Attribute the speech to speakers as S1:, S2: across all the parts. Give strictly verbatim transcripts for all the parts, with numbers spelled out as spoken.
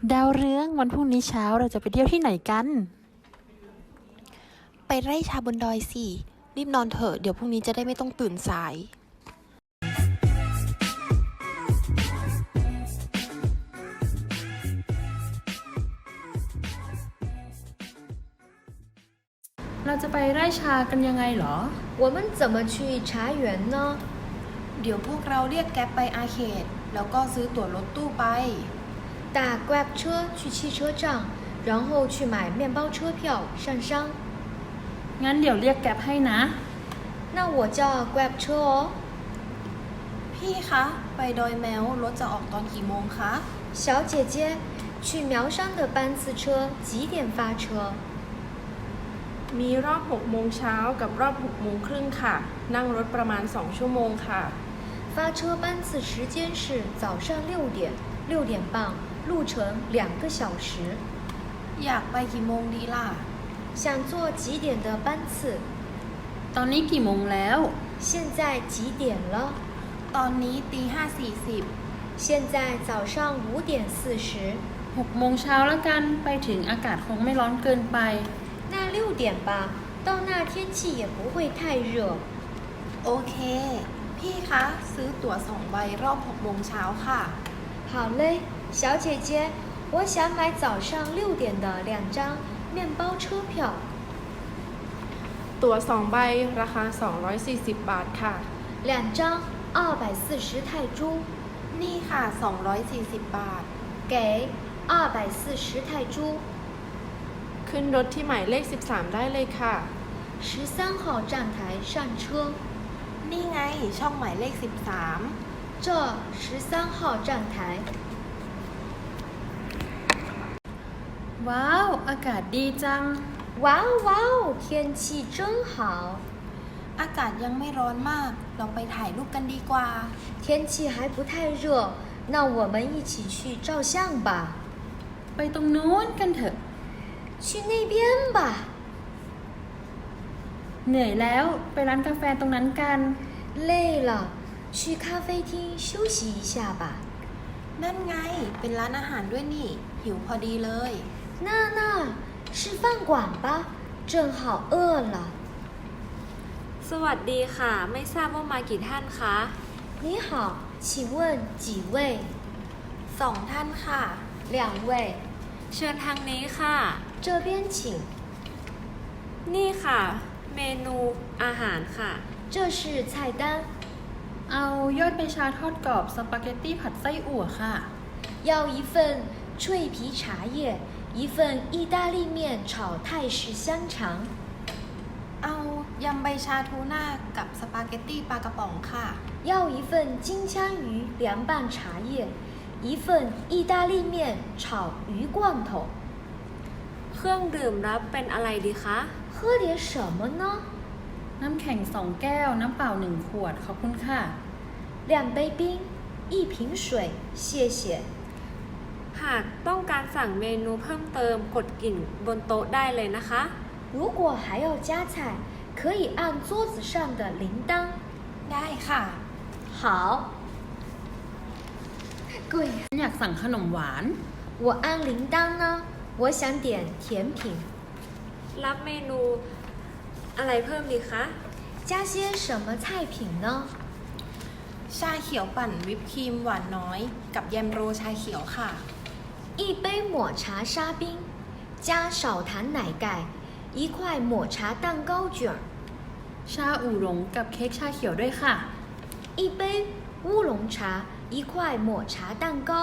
S1: ดาวเรืองวันพรุ่งนี้เช้าเราจะไปเที่ยวที่ไหนกัน
S2: ไปไร่ชาบนดอยสิรีบนอนเถอะเดี๋ยวพรุ่งนี้จะได้ไม่ต้องตื่นสาย
S1: เราจะไปไร่ชากันยังไงเหรอ
S3: 我们怎么去茶园呢
S2: เดี๋ยวพวกเราเรียกแก๊ปไปอาเขตแล้วก็ซื้อตั๋วรถตู้ไป
S3: 打 Grab 车去汽车站然后去买面包车票上山
S1: งั้นเดี๋ยวเรียกแก๊ปให้นะ
S3: 那我叫 Grab 车哦
S2: พี่คะไปดอยแมวรถจะออกตอนกี่โมงคะ
S3: 小姐姐去苗山的班次车几点发车
S4: มีรอบหกโมงเช้ากับรอบหกโมงครึ่งค่ะนั่งรถประมาณสองชั่วโมงค่ะ
S3: 发车班次时间是早上六点六点半路程两个小时
S2: อยากไปกี่โมงดีล่ะ
S3: 想坐几点的班次
S1: ตอนนี้กี่โมงแล้ว
S3: 现在几点了
S2: ตอนนี้ตีห้าสี่สิบ
S3: 现在早上五点四十
S1: หกโมงเช้าแล้วกันไปถึงอากาศคงไม่ร้อนเกินไป
S3: 那六点吧到那天气也不会太热
S2: โอเคพี่คะซื้อตั๋วสองใบรอบหกโมงเช้าค่ะ
S3: 好嘞小姐姐我想买早上六点的两张面包车票
S4: ตั๋วสองใบราคาสองร้อยสี่สิบบาทค่ะ
S3: 两张二百四十泰铢
S2: นี่ค่ะสองร้อยสี่สิบบาท
S3: 给二百四十泰铢
S4: ขึ้นรถที่หมายเลขสิบสามได้เลยค่ะ
S3: 十三号站台上车
S2: นี่ไงช่องหมายเลขสิบสาม
S3: 这十三号站台
S1: ว้าวอากาศดีจัง
S3: 哇哦哇哦天气真好
S2: อากาศยังไม่ร้อนมากเราไปถ่ายรูปกันดีกว่า
S3: 天气还不太热那我们一起去照相吧
S1: ไปตรงนู้นกันเถอะ
S3: 去那边吧
S1: เหนื่อยแล้วไปร้านกาแฟตรงนั้นกัน
S3: 累了去咖啡厅休息一下吧
S2: นั่นไงเป็นร้านอาหารด้วยนี่หิวพอดีเลย
S3: 那那吃饭馆吧正好饿了
S5: สวัสดีค่ะไม่ทราบว่ามากี่ท่านคะ
S3: 你好请问几位
S2: สองท่านค่ะ
S3: 两位
S5: เชิญทางนี้ค่ะ
S3: 这边请
S5: นี่ค่ะเมนูอาหารค่ะ
S3: 这是菜单
S1: เอายอดใบชาทอดกรอบสปาเกตตี้ผัดไส้อั่วค่ะ
S3: 要一份脆皮茶叶一份意大利面炒泰式香肠
S2: เอายำใบชาทูน่ากับสปาเกตตี้ปลากระป๋องค่ะ
S3: 要一份金枪鱼凉拌茶叶一份意大利面炒鱼罐头
S5: เครื่องดื่มรับเป็นอะไรดีคะ
S3: 喝点什么呢
S1: น้ำแข็งสองแก้วน้ำเปล่าหนึ่งขวดขอบคุณค่ะ
S3: 两杯冰一瓶水谢谢
S5: หากต้องการสั่งเมนูเพิ่มเติมกดกิ่งบนโต๊ะได้เลยนะคะ
S3: 如果还要加菜可以按桌子上的铃铛
S2: ได้ค่ะ
S3: 好贵
S1: อยากสั่งขนมหวาน
S3: 我按铃铛呢我想点甜品
S5: รับเมนูอะไรเพิ่มดีคะ
S3: 加些什么菜品呢
S2: ชาเขียวปั่นวิปครีมหวานน้อยกับแยมโรชาเขียวค่ะ
S3: 一杯抹茶沙冰加少糖奶盖一块抹茶蛋糕卷
S1: ชาอู่หลงกับเค้กชาเขียวด้วยค่ะ
S3: 一杯乌龙茶一块抹茶蛋糕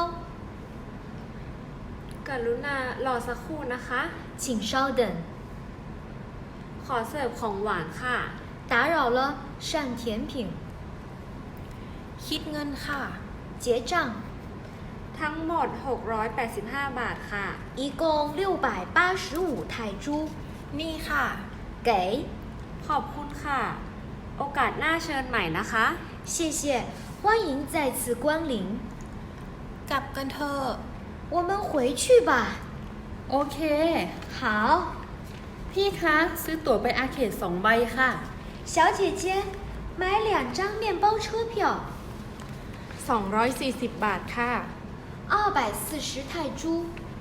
S5: กรุณารอสักครู่นะคะ
S3: 请稍等
S5: ขอเสิร์ฟของหวานค่ะ
S3: 打扰了上甜品
S2: คิดเงินค่ะ
S3: 结账
S5: ทั้งหมดหกร้อยแปดสิบห้าบาทค่ะ
S3: 一共六百八十五泰铢
S2: นี่ค่ะ
S3: 给
S5: ขอบคุณค่ะโอกาสหน้าเชิญใหม่นะคะ
S3: 谢谢欢迎再次光临
S2: กลับกันเถอะ
S3: 我们回去吧
S1: โอเค
S3: 好
S1: พี่คะซื้อตั๋วไปอาเขตสองใบค่ะ
S3: 小姐姐买两张面包车票
S4: สองร้อยสี่สิบบาทค่ะ
S3: 二百四十泰铢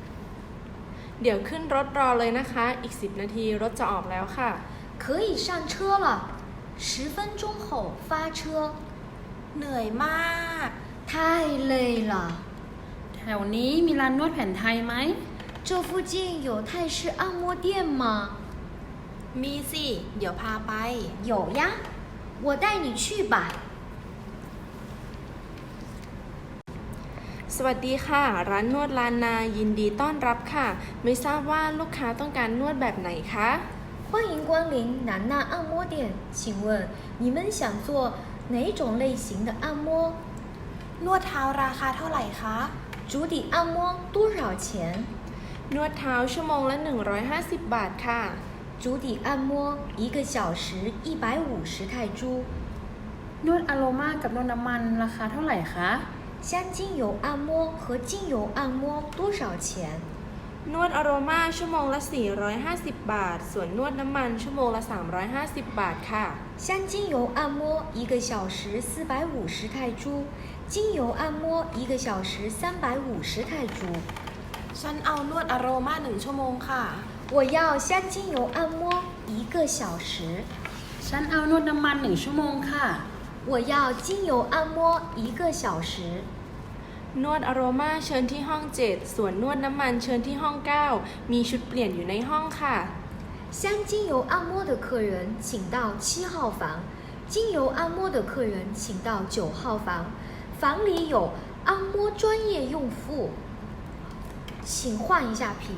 S4: เดี๋ยวขึ้นรถรอเลยนะคะ อีกสิบนาทีรถจะออกแล้วค่ะ
S3: 可以上车了，十分钟后发车。
S2: เหนื่อยมาก
S3: 太累了，
S1: แถวนี้มีร้านนวดแผนไทยไหม
S3: 这附近有泰式按摩店吗？
S2: มีสิ เดี๋ยวพาไป
S3: 有呀，我带你去吧。
S4: สวัสดีค่ะ ร้านนวดลานนายินดีต้อนรับค่ะ ไม่ทราบว่าลูกค้าต้องการนวดแบบไหนคะ
S3: 欢迎光临南娜按摩店，请问你们想做哪种类型的按摩？
S2: นวดเท้าราคาเท่าไหร่คะ
S3: 足底按摩多少钱？
S4: นวดเท้าชั่วโมงละ หนึ่งร้อยห้าสิบ บาทค่ะ
S3: 足底按摩一个小时一百五十泰铢。
S1: นวดอโรมากับนวดน้ำมันราคาเท่าไหร่คะ
S3: 香精油按摩和精油按摩多少钱？
S4: นวดอโรมาชั่วโมงละ สี่ร้อยห้าสิบ บาท ส่วนนวดน้ำมันชั่วโมงละ สามร้อยห้าสิบ บาทค่ะ
S3: 香精油按摩一个小时四百五十泰铢，精油按摩一个小时三百五十泰铢。
S2: ฉันเอานวดอโรมาหนึ่งชั่วโมงค่ะ
S3: 我要香精油按摩一个小时。
S1: ฉันเอานวดน้ำมันหนึ่งชั่วโมงค่ะ
S3: 我要精油按摩一个小时。
S4: นวดอโรมาเชิญที่ห้อง เจ็ด ส่วนนวดน้ำมันเชิญที่ห้อง เก้า มีชุดเปลี่ยนอยู่ในห้องค่ะ
S3: 香精油按摩的客人请到七号房，精油按摩的客人请到九号房，房里有按摩专业用户，请换一下皮。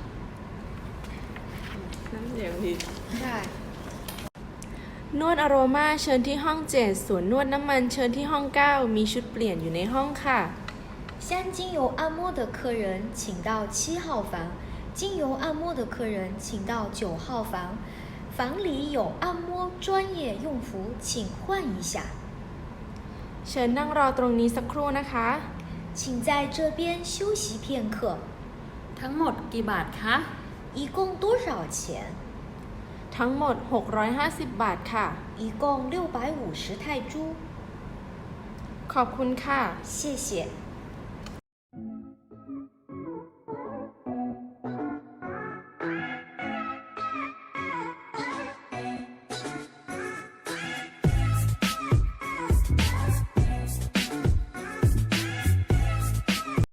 S4: น้ำเสียงดี
S3: 对。
S4: นวดอโรมาเชิญที่ห้อง เจ็ด ส่วนนวดน้ำมันเชิญที่ห้อง เก้า มีชุดเปลี่ยนอยู่ในห้องค่ะ
S3: 香精油按摩的客人请到七号房，精油按摩的客人请到九号房，房里有按摩专业用服，请换一下。
S4: เชิญนั่งรอตรงนี้สักครู่นะคะ
S3: 请在这边休息片刻。
S1: ทั้งหมดกี่บาทคะ
S3: 一共多少钱？
S4: ทั้งหมด หกร้อยห้าสิบ บาทค่ะ
S3: 一共六百五十泰铢。
S4: ขอบคุณค่ะ
S3: 谢谢。